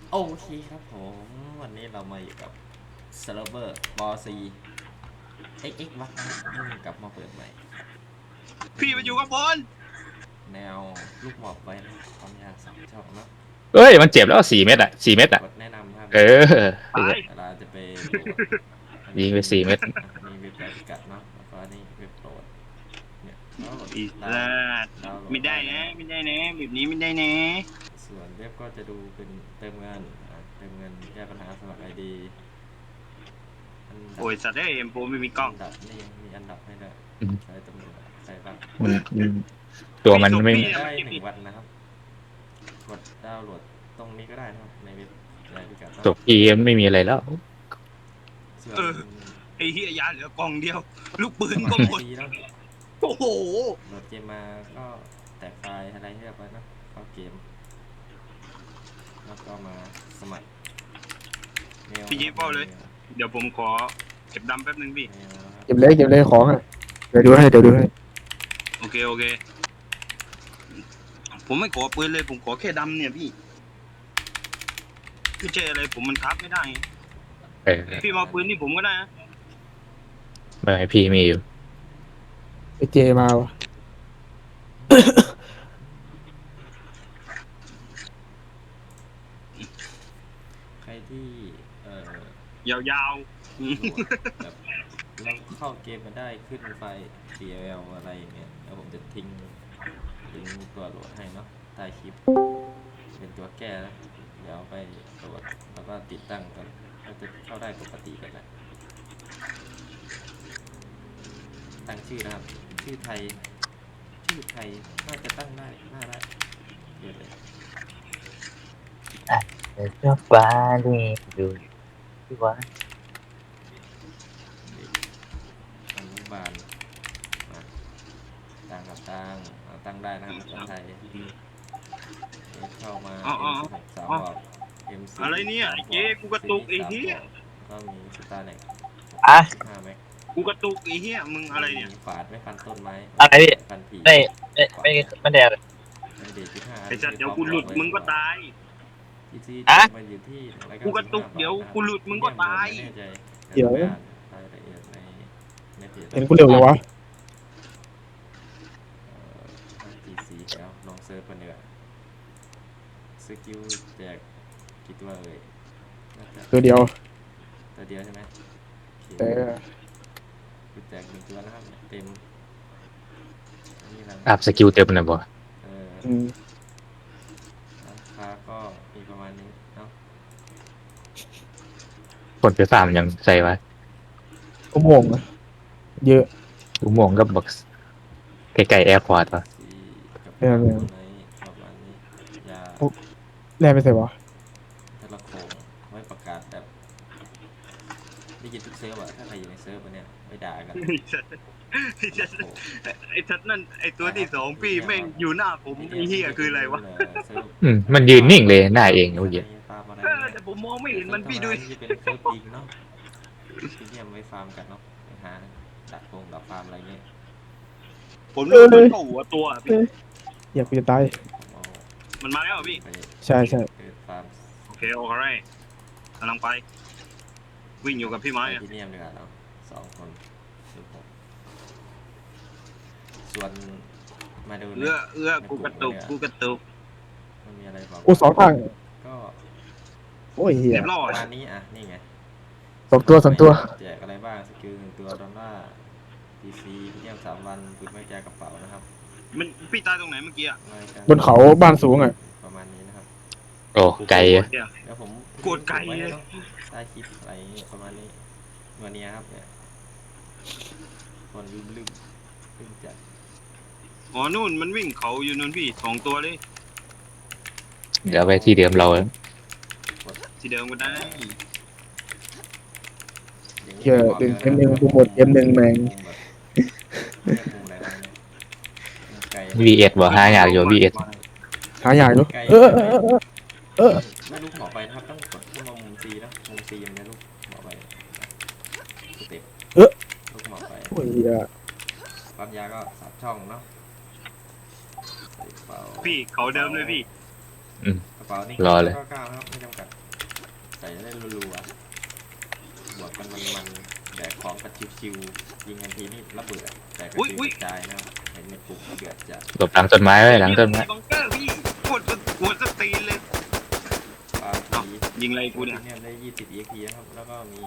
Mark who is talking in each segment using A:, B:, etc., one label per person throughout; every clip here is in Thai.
A: โอเคครับผมวันนี้เรามาอยู่กับเซิร์ฟเวอร์บอซีเอ็กเอ็กวัดนะครับเพิ่งกลับมาเปิดใหม่เป็น
B: พี่มาอยู่ข้างบน
A: แนวลูกหมอบไว้นะครับความยาว2 ช่องเนาะ
C: เอ้ยมันเจ็บแล้ว4 เม็ดอ่ะ4 เม็ดอ่ะ
A: กดแนะนำครับ
C: เออ
B: ตาย
A: เวลาจะไปโหลดอัน
C: ยิงไป
A: นี้เป็น
C: 4 เม็ด
A: นี่เว็บไซต์พิกัดเนาะแล้วก็อันนี้เว็บโหลดเนี่ยแล้วกด
B: อี
A: ดาวน์
B: สัตว์
A: ดาวน์โหล
B: ไม่ได้
A: ดได้นะ
B: นะไม่ได้นะแบบนี้ไม่ได้นะ
A: ส่วนเว็บก็จะดูเป็นเติมเงินเติมเงินแก้ปัญหาสมัครไอดีอันดับ
B: โอ้ยสัตว์ได้เอ็มโปไม่มีกล้อง
A: อันดับนี่ยังมีอันดับให้ด้วยใช้ตำรวจใครบ้าง
C: มันตัวมันไม่
B: พี่
A: ได้
B: มันจะปิด
A: 1 วันนะครับกดดาวน์โหลดตรงนี้ก็ได้นะครับในเว็บไซต์พิกัดเนาะ
C: ตัวพีไม่มีอะไรแล้ว
A: ส่วน
B: ไอ้เฮียยาเหลือกล่องเดียว ลูกปืน
A: สมัคร
B: ก็หมด
A: ID เนาะ
B: โอ้โห
A: โหลดเกมมาก็แตกไฟล์อะไรให้เรียบร้อยเนาะเข้าเกมแล้วก็มาสมัครเมล
B: พี่ยิปเป้าเลย เดี๋ยวผมขอเก็บดำแป๊บนึงพี่
A: เมลนะครับ
D: เก็บเลยของอ่ะเดี๋ยวดูให้
B: โอเคโอเค ผมไม่ขอปืนเลยผมขอแค่ดำเนี่ยพี่พี่เจอะไรผมมันคับไม่ได้ไง
C: เออ
B: พี่มาปืนนี่ผมก็ได้นะ
C: เมื่อให้พี่มีอยู่
D: ไอเจมาวะ
A: ใครที่เ
B: ยาว
A: โหลดแบบเราเข้าเกมมาได้ขึ้นไฟล์ DLL อะไรอย่างเงี้ยแล้วผมจะทิ้งลิงก์ตัวโหลดให้เนาะใต้คลิปเป็นตัวแก้นะเดี๋ยวไปโหลดแล้วก็ติดตั้งกันก็จะเข้าได้ปกติกันแหละตั้งชื่อนะครับชื่อไทยน่าจะตั้งได้น่าได้เยอะเลย
E: เจ้าฟ้านี่ดูที่ว่า
A: เด็กอนุบาลมาตั้งกับตั้งได้นะครับภาษาไทยเข้ามา M16 3 บอก M4
B: ๆอะไรเนี่ยไอ้เจ๊กูกระตุกไอ้เฮีย
A: ก็มีสตาร์เน็ก
E: อ่ะ
A: 5 แม็ก
B: กูกระตุกไอ้เฮียมึงอะไรเนี่ย
A: ฝาดไม่ฟันต้นไม้
E: อะไรพี่
A: ฟันผี
E: ไม่ได้อะไร
A: เป็นเด็กที่5
B: ไอ้สัตว์เดี๋ยวกูหลุดมึงก็ตาย
A: ที่ที่
E: อะ
A: มันอยู่ที่
B: กูกระตุกเดี๋ยวกูหลุดมึงก็ตาย
A: ไม่แน่ใจ
D: เดี๋ยว
A: รายละเอียดในเพจ
D: เห็นกูเร็วเลยวะ
A: GC แล้วลองเซิร์ชกันเนีกว่ยสกิลแจกกี่ตัวเอ่ยน่าจะ
D: ตัวเดียว
A: ตัวเดียวใช่ไหมโอเค
D: เออ
A: คือแจก1 ตัวนะครับเต็มนี่แหละ
C: อัพสกิลเต็มนะบ่
A: เออ
D: อืม
A: ราคาก็มีประมาณนี้เนาะ
C: คนไปฟาร์มยังใส่ไว้
D: อุโมงค์อะเยอะ
C: อุโมงค์ก็บอกใกล้ๆแอร์พอร์ตวะ
A: สีกับ
D: เออ
A: ตัวไหนประมาณนี้ยา
D: แร่ไม่ใส่วะ
A: ทะละโขงไว้ประกาศแบบได้ยินทุกเซิร์ฟอะถ้าใครอยู่ในเซิร์ฟเนี่ยไม่ด่ากัน
B: ไอ้สัตว์ไอ้สัตว์นั่นไอ้ตัวที่สองพี่แม่งอยู่หน้าผมไอ้เฮียคืออะไรวะ
C: มันยืนนิ่งเลยหน้าเองเมื่อกี้
A: ฟาร์มอะไร
B: แต่ผมมองไม่เห็นมันพี่ด้วย
A: ที่เป็นเซิร์ฟจริงเนาะที่เนี่ยไม่ฟาร์มกันเนาะไปหาดักฟาร์มอะไรเงี้ย
B: ผมโดนมันเข้าหัวตัวอะพี่
D: อยากกูจะตาย
A: ผมเอา
B: มันมาแล้วเหรอพี่
A: ไป
D: ใช่
A: เปิดฟาร์ม
B: โอเคโอเคกำลังไป วิ่งอยู่กับพี่ไม้อะ
A: ที่เนี่ยดีกว่าเนาะ2 คนคือผมส่วนมาดู
B: เอื้อกูกระตุก
A: มันมีอะไรบอก
D: โอ้2 ทาง
A: ก็
D: โอ้ยเฮีย
B: เรียบร้อ
A: ป
B: ย
A: ระมาณนี้อ่ะนี่ไง
D: 2 ตัว
A: แจกอะไรบ้างสกิล1 ตัว$PC เที่ยม3 วันปืนไม่แจกกระเป๋านะครับ
B: มันพี่ตายตรงไหนเมื่อกี้อะ
A: รายการ
D: บนเขาบ้านสูงอ่ะ
A: ประมาณนี้นะครับ
C: โอ้ไกลอะ
A: แล้วผม
B: โกรธไก่
A: ไว้
B: เลย
A: เนาะใต้คลิปอะไรอย่างงี้ประมาณนี้วันนี้ครับเนี่ยคนลืมจัด
B: อ๋อนู่นมันวิ่งเขาอยู่นู่นพี่2 ตัวเลย
C: เดี๋ยวไปที่เดิมเรา
B: ที่เดิมก็ได้
D: เหี้ยดึงเกมหนึ่งกูหมดเกมหนึ่งแม่ง
A: มุมอะไรนะเนี่ยมุมไกล
C: VS บ่หาอยากอยู่ VS
D: หาอยากดู
A: ไกล
D: เออ
A: ไม่ลูกหมอไปนะครับต้องกดขึ้นมามุม C นะมุม C มันจะลูกหมอไปสเต็ปลูกหมอไป
D: โอ้ยเฮีย
A: ปั๊มยาก็3 ช่องเนาะใส่กระเป๋า
B: พี่เขาเดิมเลยพี่
A: กระเป๋านี่
C: รอเลย
A: 99ครับไม่จำกัดมันๆแบกของกันชิวๆยิงกันทีนี่ระเบิดแต่ก็
B: อุ๊ย
A: คือกระจายนะครับเห็นในกลุ่มเดือดจะ
C: หลบหลังต้นไม้ไว้หลังต้นไม้
B: บังเกอร์พี่ปวดสตีนเลย
A: ปา
B: เอ้า
A: ที
B: ยิงอะไรกูเนี่ย
A: ได้20 EXP นะครับ แล้วก็มี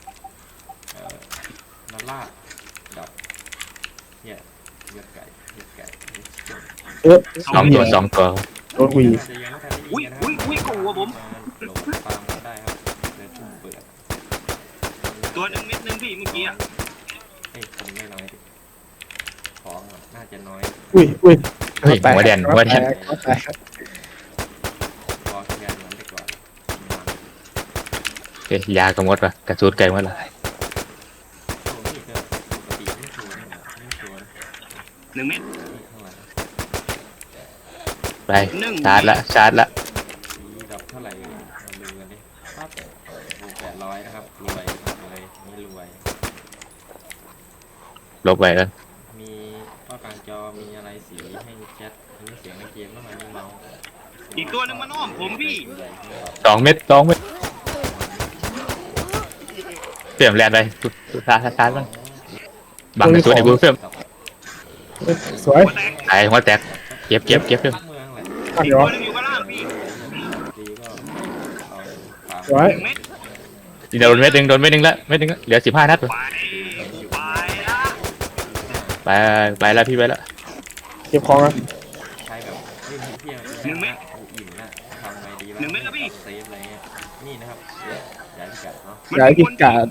A: นาลากดับเนี่ยเลือดไก่เลือดไก่
D: เอ๊ะ
C: สองตัวสองตัว
D: โดนหวี
A: น่าจะยังไม่ทันได้ยิงกันนะครับ
B: อุ้ยกูวะผม
A: หลบตามกันได้ครับเลยทุ่มเปิด
B: ตัวหนึ่งเม็ดหนึ่งพี่เมื่อกี้อะ
A: เอ้ยคนไม่น้อยดิของอะน่าจะน้อย
D: อุ้ย
C: เฮ้ยหัวแดนหัวแดน
D: หัวแตก
A: พอแค่นั้นไปก่อนมัน
C: เอ้ยยากระมดปะกระสุนไกลหมดละ
A: โอ้นี่ก็ปกติไม่ชวนนะไม่ชวน
B: หนึ่งเม็ด
A: นี่เท่าไหร่
C: ไปชาร์จละชาร์จละ
A: สีดับเท่าไหร่เราดูกันดิปั๊บโอ้800นะครับรวยเลยนี่รวย
C: ลบไปแล้ว
A: มีข้อกลางจอมีอะไรสีให้แชทอันนี้เสียงในเกมแล้วมันนี่เมาส์
B: อีกตัวหนึ่งมันอ้อมผมพี่
C: 2 เม็ดเพิ่มแรงไปชาร์จมันบังกระสุนไอ้บูเพิ่ม
D: สวย
B: หัวแตก
C: ตายหัวแตกเก็บเพิ่ม
A: เมืองแหละ
D: ข้าง
B: อีก
D: เดียว
B: ตัวหนึ่งอยู่ข้างล่างพี่
A: ดีก็เอาปา
D: สวย
B: หนึ่งเม็ด
C: โดนเม็ดหนึ่งละเหลือ15 นัด
B: ไปละ
C: ไปแล้วพี่ไปแล้ว
D: เก็บของนะ
A: ใช้แบบเล่นเที่ยงอิ่มนะทำไงดีวะเซฟอะไรเงี้ยนี่นะครับย้ายพิกัดเนาะ
D: ย้ายพิกัด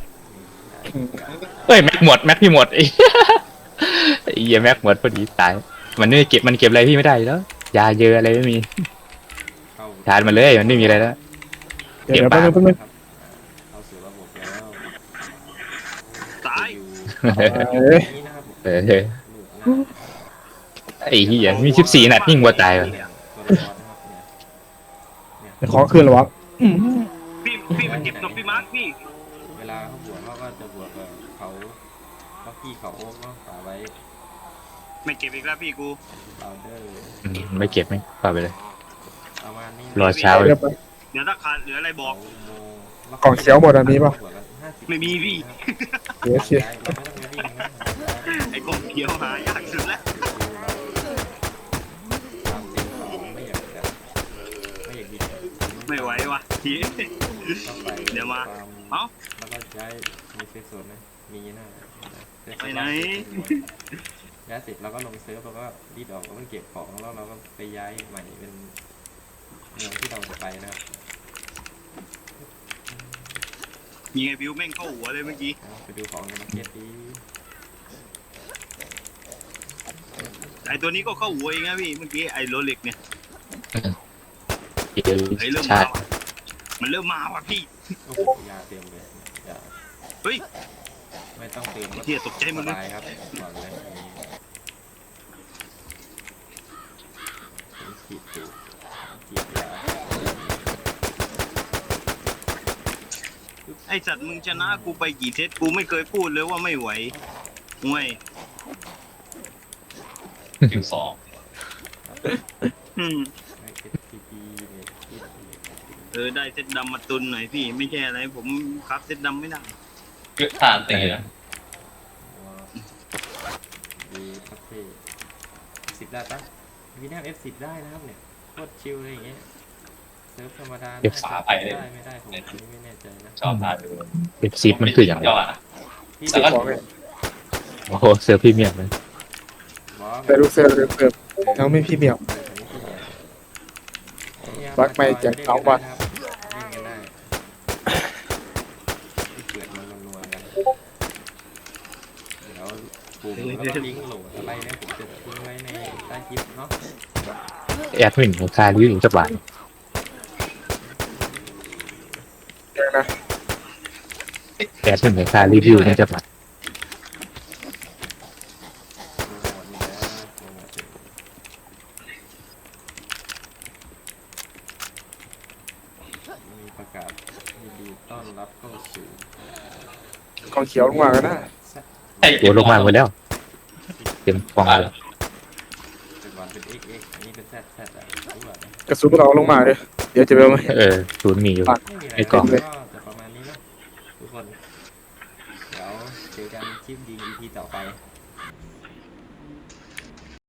C: เอ้ยแม็กหมดแม็กพี่หมดไอ้เหี้ยแม็กหมดพอดีตายมันไม่เก็บอะไรพี่ไม่ได้แล้วยาเยอะอะไรไม่มี
A: เข้า
C: ชาร์จมันเลยมันไม่มีอะไรแล้ว
D: เดี๋ยวแป๊บนึง
A: ครับเข้าสู่ระบบแล้ว
B: ตาย
A: อยู่
D: เอ้ย
A: นี่นะครับ
C: เออ
A: ลูกหน้า
C: ไอ้เหี้ยมี14 นัดยิ่งกว่าตายว่ะ
A: ตัวละครนะครับเนี่ย
D: ของคืนเหรอวะ
B: พี่มันเจ็บตบพี่มาร์คพี่
A: เวลาเขาบวกเขาก็จะบวกกับเขาพี่เขาโอ๊กเนาะฝาไว้
B: ไม่เจ็บอีกแล้วพี่กู
A: บาวเดอร์
C: ไม่เก็บไม่ปล่อยไปเลย
A: ประมาณนี้
C: รอเช้า
D: เดี๋ยวไป
B: เดี๋ยวถ้าขาดเหลืออะไรบอก
D: กล่องเขียวหมดอันนี้ปะ
B: ไม่มีพี่
D: เดี๋ยวโอเค
A: เราไม่ต้องไปวิ่งนะ
B: ไอ้กบเขียวหายากสุดแล้ว
A: ตามติดต่อไม่อยากแบบไม่อยากดิ
B: ไม่ไหววะที
A: ต้องไป
B: เดี๋ยวมา
A: ฟร์
B: เอ้า
A: แล้วก็ย้ายมีเซฟโซนนะมีนะ
B: ไปไหน
A: ย้ายเสร็จเราก็ลงเซิร์ฟแล้วก็รีดออกแล้วก็เก็บของแล้วเราก็ไปย้ายใหม่เป็นเมืองที่เราจะไปนะครับ
B: ยิงไอ้บิวแม่งเข้าหัวเลยเมื่อกี้
A: เอาไปดูของในมาร์เก็ตดี
B: ไอ้ตัวนี้ก็เข้าหัวเองนะพี่เมื่อกี้ไอ้โรเล็กเนี่ยไอ้เริ่ม
C: ชา
B: มา
C: ร์จ
B: ว่ะมันเริ่มมาว่ะพี่
A: โอ้โหยาเต็มเลยยา
B: เฮ้ย
A: ไม่ต้องเติมก็
B: เฮียตกใจหมด
A: ส
B: เลย
A: บายครับก่อนเลยมีขีดถูกขีดยา
B: ไอ้สัตว์มึงชนะกูไปกี่เซตกูไม่เคยพูดเลยว่าไม่ไหวห่วย
F: คิวสอง
B: อืม
A: ไม่เอสทีพีเนี่ยขีด
B: ได้เซตดำมาตุนหน่อยพี่ไม่ใช่อะไรผมครับเซตดำไม่ได้
F: เกือบทานตีนะ
A: ว้าวดีครับพี่10ได้ปะวีน่าF10ได้นะครับเนี่ยโคตรชิลเลยอย่างเงี้ยเซิร์ฟธรรมดาได้ไม่ได้ผมอันนี้ไม่แน่ใจนะ
F: ชอบทานดู
C: F10มันคืออย่างไร
F: ยอดอะ
A: พี่
F: แล้วก็
A: บอก
C: โอ้โหเสือพรีเมียมเลย
D: เดี๋ยวดูเซอร์ยังไม่พี่เมียว บักไม่แจก2 วัน
A: เล่นกันได้เกิดมันนัวๆกันเดี๋ยวปุ่มแล้วก็ลิงก์โหลดอะไรเนี่ยผมจะทิ้งไว้ในใต้คลิปเนาะ
C: แอดมินของคาริวจักบาท
D: เดี๋ยวนะ
C: แอดมินของคารีวิวจักบาท
A: มีประกาศยินดีต้อนรับเข้าสู่
D: กล่องเขียวลงมากันนะ
C: ตัวลงมาหมดแล้วเต็มฟองเลย
A: เป็นวันเป็น XX อันนี้เป็น ZZ อ่ะรู้ป่ะเนี่ย
D: กระสุนเราลงมาเลยเดี๋ยวจะไปเอา
C: ศูนย์มีอยู่
A: ไม่มีอะไร
C: ไอ้กล่อง
A: ก็จะประมาณนี้เนาะทุกคนเดี๋ยวเจอกันคลิปยิง EP ต่อไป